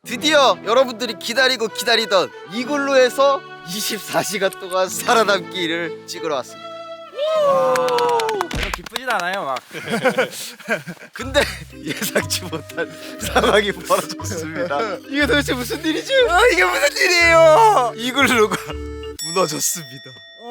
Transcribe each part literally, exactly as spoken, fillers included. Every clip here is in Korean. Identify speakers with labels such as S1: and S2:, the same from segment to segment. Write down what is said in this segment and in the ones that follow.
S1: 드디어 여러분들이 기다리고 기다리던 이글루에서 이십사 시간 동안 살아남기를 찍으러 왔습니다.
S2: 별로 기쁘진 않아요 막.
S1: 근데 예상치 못한 상황이 벌어졌습니다. 이게 도대체 무슨 일이지? 아, 이게 무슨 일이에요? 이글루가 무너졌습니다.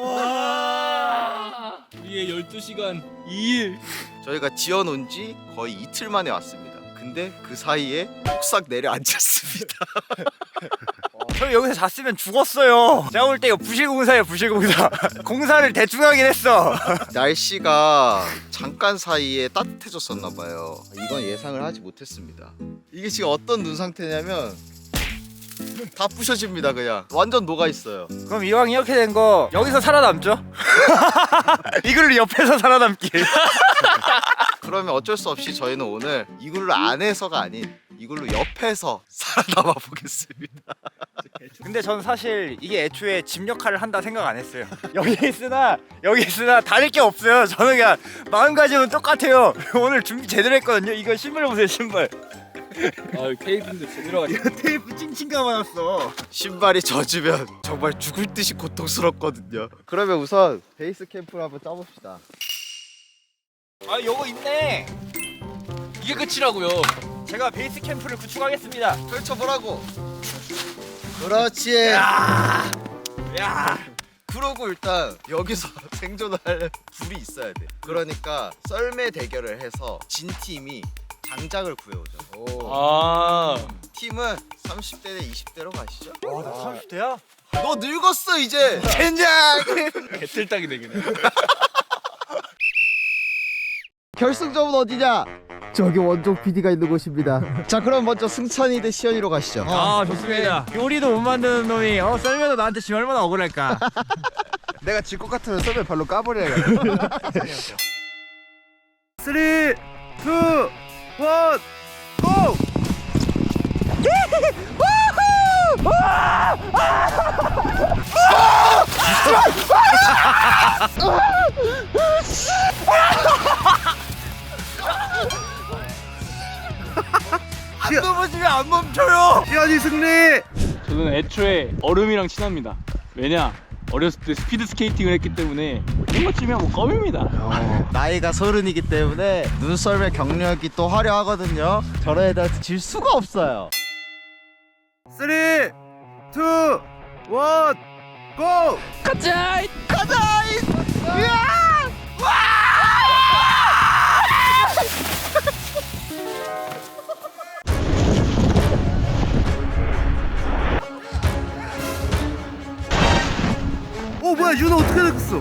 S3: 우리의 열두 시간 이 일.
S1: 저희가 지어놓은 지 거의 이틀 만에 왔습니다. 근데 그 사이에 폭삭 내려앉았습니다.
S2: 저 여기서 잤으면 죽었어요. 제가 볼 때 이거 부실공사예요 부실공사. 공사를 대충 하긴 했어.
S1: 날씨가 잠깐 사이에 따뜻해졌었나 봐요. 이건 예상을 하지 못했습니다. 이게 지금 어떤 눈 상태냐면 다 부셔집니다. 그냥 완전 녹아 있어요.
S2: 그럼 이왕 이렇게 된 거 여기서 살아남죠. 이걸로 옆에서 살아남기.
S1: 그러면 어쩔 수 없이 저희는 오늘 이글루 안에서가 아닌 이글루 옆에서 살아남아 보겠습니다.
S2: 근데 전 사실 이게 애초에 집 역할을 한다 생각 안 했어요. 여기 있으나 여기 있으나 다를 게 없어요. 저는 그냥 마음가짐은 똑같아요. 오늘 준비 제대로 했거든요. 이거 신발 보세요 신발.
S3: 아 테이프인데 제대로 가지.
S2: 이거 테이프 찡찡 감아놨어.
S1: 신발이 젖으면 정말 죽을 듯이 고통스럽거든요. 그러면 우선 베이스 캠프를 한번 짜봅시다.
S2: 아 요거 있네.
S3: 이게 끝이라고요.
S2: 제가 베이스 캠프를 구축하겠습니다.
S1: 펼쳐보라고. 그렇지.
S2: 야, 야.
S1: 그러고 일단 여기서 생존을 하려면 불이 있어야 돼. 그러니까 썰매 대결을 해서 진 팀이 장작을 구해오죠. 오.
S3: 아
S1: 팀은 삼십 대 대 이십 대로 가시죠.
S2: 와, 나 삼십 대야?
S1: 너 늙었어 이제. 젠장.
S3: 개틀딱이 되겠네.
S1: 결승점은 어디냐? 저기 원종 피디가 있는 곳입니다. 자, 그럼 먼저 승찬이 대 시연이로 가시죠.
S2: 아 좋습니다. 요리도 못 만드는 놈이 어 썰면서 나한테 지금 얼마나 억울할까.
S1: 내가 질 것 같으면 썰매 발로 까버려야겠다.
S2: 쓰리, 투, 원, 고! 안 넘어지면 안 멈춰요. 시연이 승리.
S3: 저는 애초에 얼음이랑 친합니다. 왜냐? 어렸을 때 스피드 스케이팅을 했기 때문에 이것쯤이야 뭐 껌입니다.
S1: 나이가 서른이기 때문에 눈썰매 경력이 또 화려하거든요. 저런 애들한테 질 수가 없어요.
S2: 쓰리, 투, 원, 고!
S3: 가자!
S2: 어 뭐야 윤호 어떻게 됐어?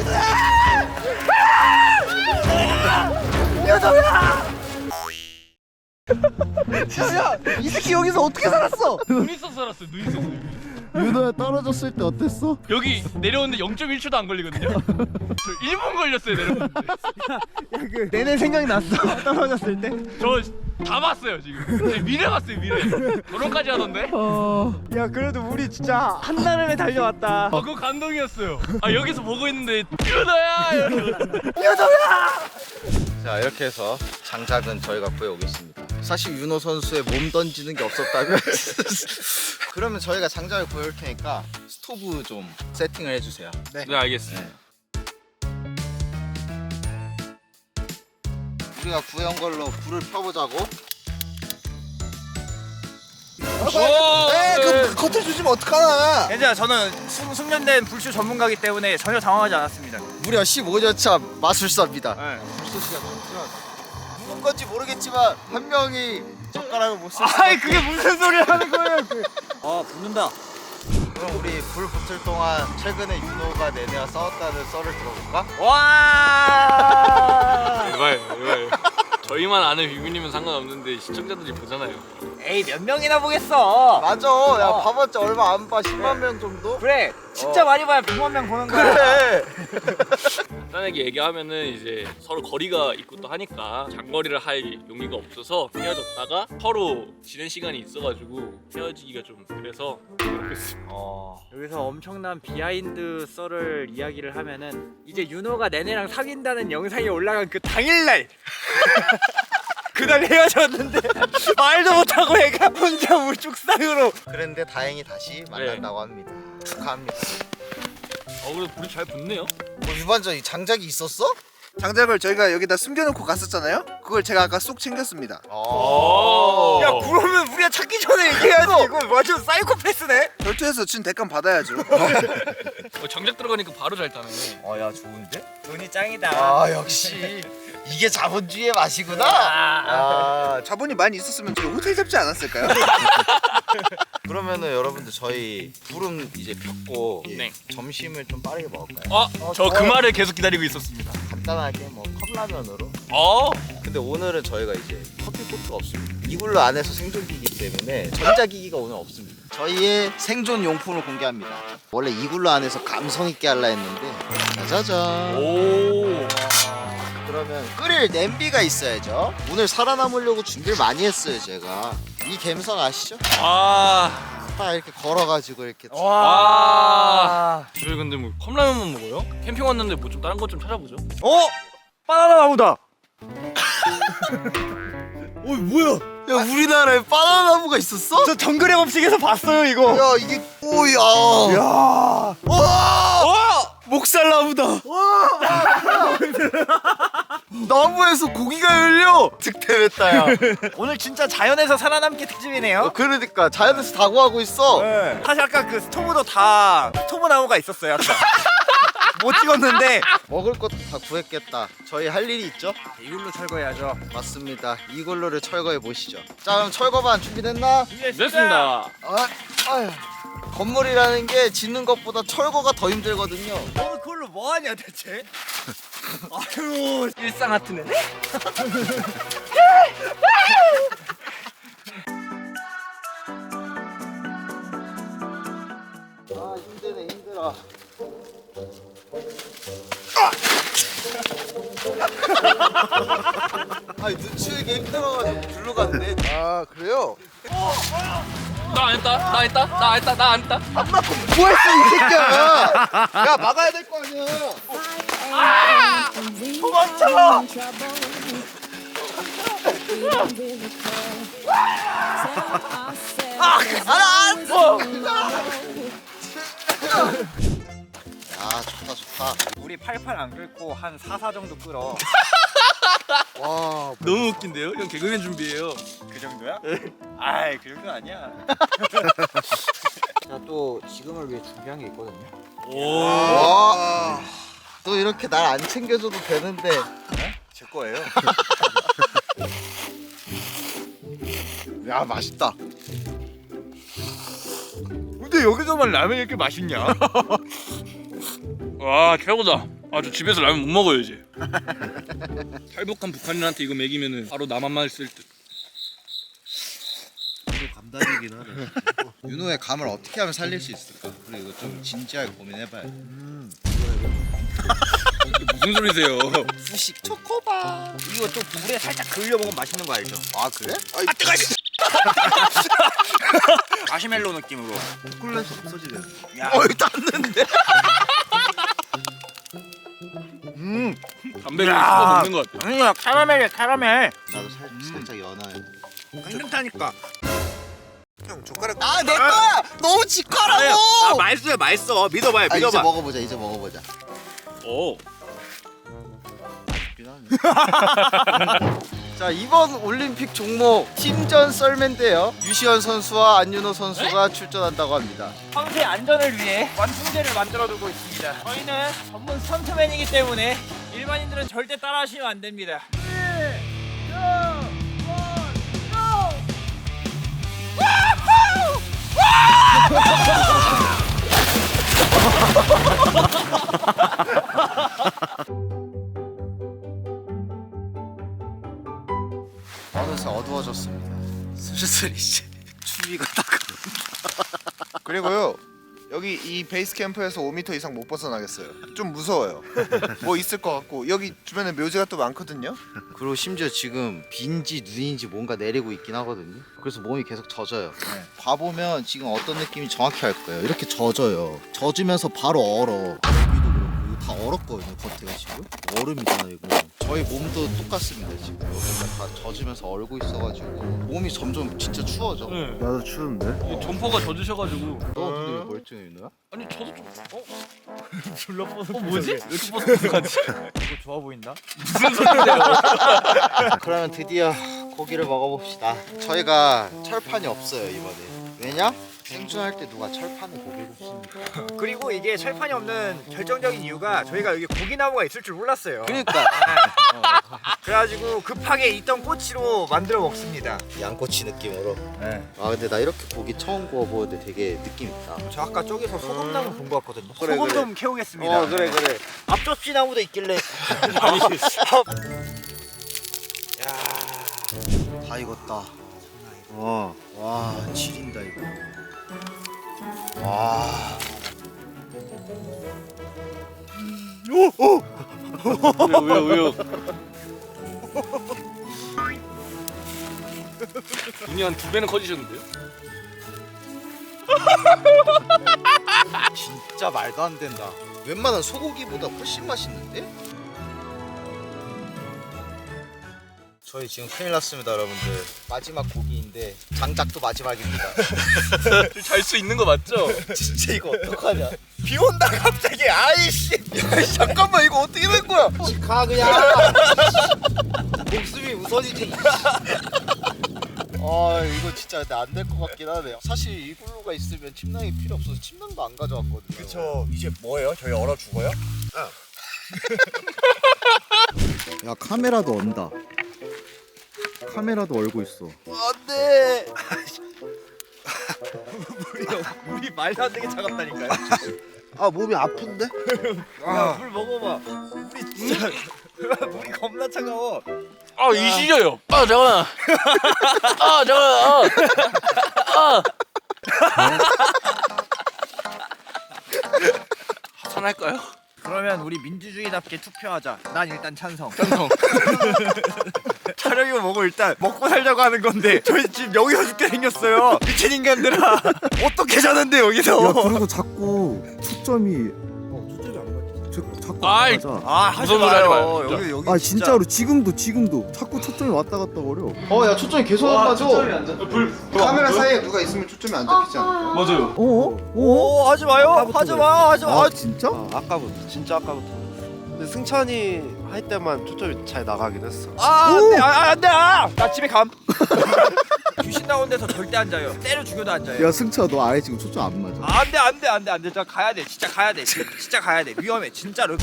S1: 야, 이 새끼 여기서 어떻게 살았어?
S3: 눈 있어서 살았어요. 눈 있어서.
S1: 윤호야 떨어졌을 때 어땠어?
S3: 여기 내려오는데 영 점 일 초도 안 걸리거든요. 저 일 분 걸렸어요 내려오는데.
S2: 야그 내내 생각이 났어. 떨어졌을 때.
S3: 저 다 봤어요 지금. 네, 미래 봤어요 미래. 결혼까지 하던데.
S2: 야 그래도 우리 진짜 한 나름에 달려왔다.
S3: 아 그거 감동이었어요. 아 여기서 보고 있는데 유다야.
S1: 자, 이렇게 해서 장작은 저희가 구해오겠습니다. 사실 윤호 선수의 몸 던지는 게 없었다면 그러면 저희가 장작을 구해올 테니까 스토브 좀 세팅을 해주세요.
S3: 네 알겠습니다.
S1: 네. 우리가 구해온 걸로 불을 펴보자고.
S3: 네,
S1: 그 겉을 주시면 어떡하나.
S2: 괜찮아 저는 숙, 숙련된 불쇼 전문가이기 때문에 전혀 당황하지 않았습니다.
S1: 무려 십오 년 차 마술사입니다.
S2: 네.
S1: 불쏘시가 넘지만 누군 건지 모르겠지만 한 명이 젓가락을 못 쓸.
S2: 아이 그게 무슨 소리 하는 거예요? 그. 아 붙는다.
S1: 그럼 우리 불 붙을 동안 최근에 윤호가 내내와 싸웠다는 썰을 들어볼까?
S2: 와.
S3: 이봐요 이봐요. 저희만 아는 비비님은 상관없는데 시청자들이 보잖아요.
S2: 에이 몇 명이나 보겠어.
S1: 맞아. 야
S2: 어.
S1: 봐봤자 얼마 안 봐. 십만 명 정도?
S2: 그래 진짜
S1: 어.
S2: 많이 봐야 백만 명 보는 거야.
S1: 그래.
S3: 간단하게 얘기하면은 이제 서로 거리가 있고 또 하니까 장거리를 할 용기가 없어서 헤어졌다가 서로 지낸 시간이 있어가지고 헤어지기가 좀 그래서 그렇게 했습니다.
S2: 어. 여기서 엄청난 비하인드 썰을 이야기를 하면은 이제 윤호가 내내랑 사귄다는 영상이 올라간 그 당일날 그날 헤어졌는데 말도 못하고 애가 혼자 우죽상으로.
S1: 그런데 다행히 다시 만난다고 합니다. 축하합니다.
S3: 어 그래도 불이 잘 붙네요.
S1: 뭐 유반전 이 장작이 있었어?
S4: 장작을 저희가 여기다 숨겨놓고 갔었잖아요. 그걸 제가 아까 쏙 챙겼습니다.
S3: 오.
S2: 야 그러면 우리가 찾기 전에 얘기해야지. 이거 완전 사이코패스네.
S4: 결투에서 진 대감 받아야죠.
S3: 어, 장작 들어가니까 바로 잘 타네.
S1: 어야 좋은데?
S2: 돈이 짱이다.
S1: 아 역시 이게 자본주의의 맛이구나. 아
S4: 자본이 많이 있었으면 저희 호텔 잡지 않았을까요?
S1: 그러면은 여러분들 저희 불은 이제 폈고
S3: 네.
S1: 점심을 좀 빠르게 먹을까요?
S3: 어, 저 그 말을 계속 기다리고 있었습니다.
S1: 간단하게 뭐 컵라면으로.
S3: 어,
S1: 근데 오늘은 저희가 이제 커피포트가 없습니다. 이굴루 안에서 생존기이기 때문에 전자기기가 오늘 없습니다. 저희의 생존 용품을 공개합니다. 원래 이굴루 안에서 감성 있게 하려 했는데 짜자잔.
S3: 오,
S1: 그러면 끓일 냄비가 있어야죠. 오늘 살아남으려고 준비를 많이 했어요 제가. 이 갬성 아시죠?
S3: 아,
S1: 딱 이렇게 걸어가지고 이렇게
S3: 와. 저희 근데 뭐 컵라면만 먹어요? 캠핑 왔는데 뭐 좀 다른 것 좀 찾아보죠.
S2: 어? 바나나 나무다.
S1: 어 뭐야? 야 우리나라에 바나나 나무가 있었어?
S2: 저 정글의 법칙에서 봤어요 이거.
S1: 야 이게 오야.
S2: 야.
S1: 와! 목살나무다. 나무에서 고기가 열려. 득템했다야.
S2: 오늘 진짜 자연에서 살아남기 특집이네요.
S1: 어, 그러니까 자연에서 다구하고 있어.
S2: 네. 사실 아까 그 스토브도 다 스토브 나무가 있었어요. 아까. 못 찍었는데
S1: 먹을 것도 다 구했겠다. 저희 할 일이 있죠?
S2: 이걸로 철거해야죠.
S1: 맞습니다. 이걸로를 철거해 보시죠. 자 그럼 철거반 준비됐나?
S3: 됐습니다.
S1: 아, 아휴. 건물이라는 게 짓는 것보다 철거가 더 힘들거든요.
S2: 너는 그걸로 뭐 하냐 대체? 아유 일상 같은 애네.
S1: 아 힘드네 힘들어. 아 눈치우기 힘들어가지고 글로 갔네.
S4: 아 그래요?
S3: 나 안 했다, 나 했다, 나 했다, 나 안 했다.
S1: 뭐 했어 이 새끼야. 야 막아야 될 거 아니야.
S2: 도망쳐!
S1: 아 알았어. 야 좋다 좋다.
S2: 우리 팔팔 안 끓고 한 사사 정도 끓어.
S1: 와
S3: 너무 웃긴데요? 형 개그맨 준비해요.
S2: 그 정도야? 아이 그 정도 아니야.
S1: 자, 또 지금을 위해 준비한 게 있거든요.
S3: 오,
S1: 와. 또 이렇게 날 안 챙겨줘도 되는데.
S2: 제 거예요.
S1: 야 맛있다.
S2: 근데 여기서만 라면 이렇게 맛있냐?
S3: 와 최고다. 아 저 집에서 라면 못 먹어요 이제. 탈북한 북한인한테 이거 먹이면은 바로 나만 쓸 듯.
S4: 감당이긴 하네.
S1: 윤호의 감을 어떻게 하면 살릴 수 있을까? 그리고 이거 좀 진지하게 고민해봐야 돼.
S3: 이게 무슨 소리세요?
S1: 후식 초코바.
S2: 이거 좀 물에 살짝 그을려 먹으면 맛있는 거 알죠?
S1: 아 그래?
S2: 아 뜨거! 마시멜로 느낌으로.
S4: 초콜릿이 없어지네.
S2: 야,
S1: 어이 땄는데. 음.
S3: 담배를
S2: 야.
S3: 씹어 먹는 것 같아.
S2: 아니야 카라멜이야 카라멜.
S1: 나도 살, 살짝 연어야.
S2: 땡땡타니까.
S4: 형 젓가락.
S1: 아 내 거야. 너무 직화라고.
S2: 아 맛있어요 맛있어. 믿어봐요
S1: 아, 이제
S2: 믿어봐.
S1: 먹어보자. 이제 먹어보자.
S3: 오.
S1: 자 이번 올림픽 종목 팀전 썰매인데요. 유시현 선수와 안윤호 선수가 출전한다고 합니다.
S2: 황새 안전을 위해 완충제를 만들어두고 있습니다. 저희는 전문 스턴트맨이기 때문에 일반인들은 절대 따라하시면 안 됩니다.
S1: 어느새 어두워졌습니다. 슬슬 이제 추위가 다가온다.
S4: 그리고요 여기 이 베이스 캠프에서 오 미터 이상 못 벗어나겠어요. 좀 무서워요. 뭐 있을 것 같고 여기 주변에 묘지가 또 많거든요.
S1: 그리고 심지어 지금 비인지 눈인지 뭔가 내리고 있긴 하거든요. 그래서 몸이 계속 젖어요. 봐보면 지금 어떤 느낌이 정확히 알 거예요. 이렇게 젖어요. 젖으면서 바로 얼어. 여기도 그렇고 이거 다 얼었거든요. 겉에가 지금 얼음이잖아 이거. 저희 몸도 똑같습니다 지금. 여기가 다 젖으면서 얼고 있어가지고 몸이 점점 진짜 추워져.
S3: 네.
S4: 나도 추운데.
S3: 점퍼가 젖으셔가지고.
S1: 너 근데 왜 멀쩡해 윤호야?
S3: 아니 저도 좀. 어?
S2: 졸라 뻗어.
S3: 어 뭐지? 왜 이렇게 뻗어가지?
S2: 이거 좋아 보인다.
S3: 무슨 소리예요?
S1: 그러면 드디어 고기를 먹어봅시다. 저희가 철판이 없어요 이번에. 왜냐? 생존할 때 누가 철판에 고기를 굽습니까?
S2: 그리고 이게 철판이 없는 결정적인 이유가 저희가 여기 고기나무가 있을 줄 몰랐어요.
S1: 그러니까
S2: 그래가지고 급하게 있던 꼬치로 만들어 먹습니다.
S1: 양꼬치 느낌으로.
S2: 네.
S1: 아 근데 나 이렇게 고기 처음 구워보는데 되게 느낌 있다.
S2: 저 아까 저기서 소금나무 본 것 같거든요.
S1: 그래,
S2: 소금
S1: 그래.
S2: 좀 캐오겠습니다.
S1: 어 그래 그래. 앞접시 나무도 있길래.
S3: 아니
S1: 야, 다 익었다.
S4: 어.
S1: 와 지린다 이거. 와.
S3: 왜요 왜요 왜요? 눈이 한 두 배는 커지셨는데요?
S1: 진짜 말도 안 된다. 웬만한 소고기보다 훨씬 맛있는데? 저희 지금 큰일 났습니다 여러분들. 마지막 고기인데 장작도 마지막입니다.
S3: 잘 수 있는 거 맞죠?
S1: 진짜 이거 어떡하냐.
S2: 비 온다 갑자기. 아이씨.
S1: 야 잠깐만 이거 어떻게 된 거야? 가 그냥. 목숨이 우선일 텐데. 아 이거 진짜 근데 안 될 것 같긴 하네요. 사실 이글루가 있으면 침낭이 필요 없어서 침낭도 안 가져왔거든요.
S2: 그쵸. 이제 뭐예요? 저희 얼어 죽어요?
S5: 야 카메라도 언다. 카메라도 얼고 있어.
S1: 안돼.
S2: 물이 말도 안 되게 차갑다니까요.
S1: 아 몸이 아픈데?
S2: 야, 물 먹어봐. 물이 진짜 물이 겁나 차가워.
S3: 아 이시려요. 아 잠깐. 아 잠깐. 아. 아. 하산할까요?
S2: 그러면 우리 민주주의답게 투표하자. 난 일단 찬성.
S3: 찬성.
S2: 촬영이고 뭐고 일단 먹고 살자고 하는 건데 저희 지금 여기서 죽게 생겼어요. 미친 인간들아. 어떻게 자는데 여기서?
S5: 야 그리고 자꾸 초점이 어 초점이 안 맞지. 저, 자꾸
S3: 아이.
S5: 안 맞아.
S2: 아 하지
S3: 무서운 소리 하지
S2: 마요.
S3: 마요, 진짜.
S2: 여기 여기
S5: 아 진짜로 지금도 지금도 자꾸 초점이 왔다 갔다 거려.
S1: 어야 초점이 계속 안 맞아.
S3: 불.
S4: 카메라 사이에 누가 있으면 초점이 안 잡히지 않아?
S3: 맞아요.
S5: 어? 어?
S2: 오 하지 마요. 하지 마. 하지 마.
S5: 아 진짜?
S6: 아, 아까부터 진짜 아까부터. 근데 승찬이 할 때만 초점이 잘 나가긴 했어.
S2: 아 안돼. 아 안돼. 아. 나 집에 감. 귀신 나온 데서 절대 안 자요. 때려 죽여도 안 자요.
S5: 야 승차 너 아예 지금 초점 안 맞아.
S2: 아, 안돼 안돼 안돼 안돼. 저 가야 돼. 진짜 가야 돼. 진짜, 진짜 가야 돼. 위험해. 진짜로.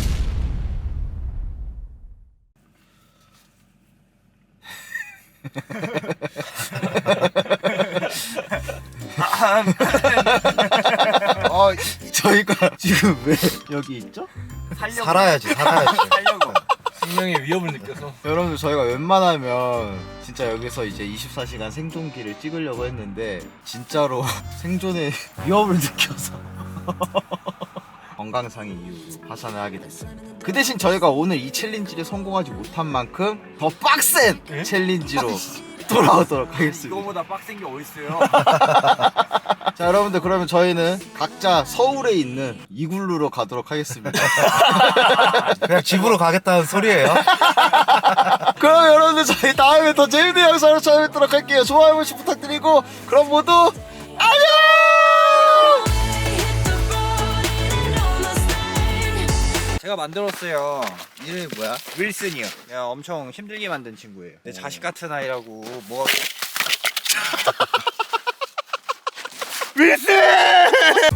S1: 어 저희가 지금 왜 여기 있죠?
S2: 살려고.
S1: 살아야지 살아야지.
S2: 살려고.
S3: 생명의 위협을 느껴서.
S1: 여러분들 저희가 웬만하면 진짜 여기서 이제 이십사 시간 생존기를 찍으려고 했는데 진짜로 생존의 위협을 느껴서 건강상의 이유로 하산을 하게 됐습니다. 그 대신 저희가 오늘 이 챌린지를 성공하지 못한 만큼 더 빡센 챌린지로 돌아오도록 하겠습니다.
S2: 이거보다 빡센 게 어딨어요.
S1: 자 여러분들 그러면 저희는 각자 서울에 있는 이글루로 가도록 하겠습니다.
S6: 그냥 집으로 가겠다는 소리예요.
S1: 그럼 여러분들 저희 다음에 더 재밌는 영상으로 찾아뵙도록 할게요. 좋아요 한 번씩 부탁드리고 그럼 모두 안녕!
S2: 제가 만들었어요.
S1: 이름이 뭐야?
S2: 윌슨이요. 내가 엄청 힘들게 만든 친구예요. 내 자식 같은 아이라고 뭐. 윌슨!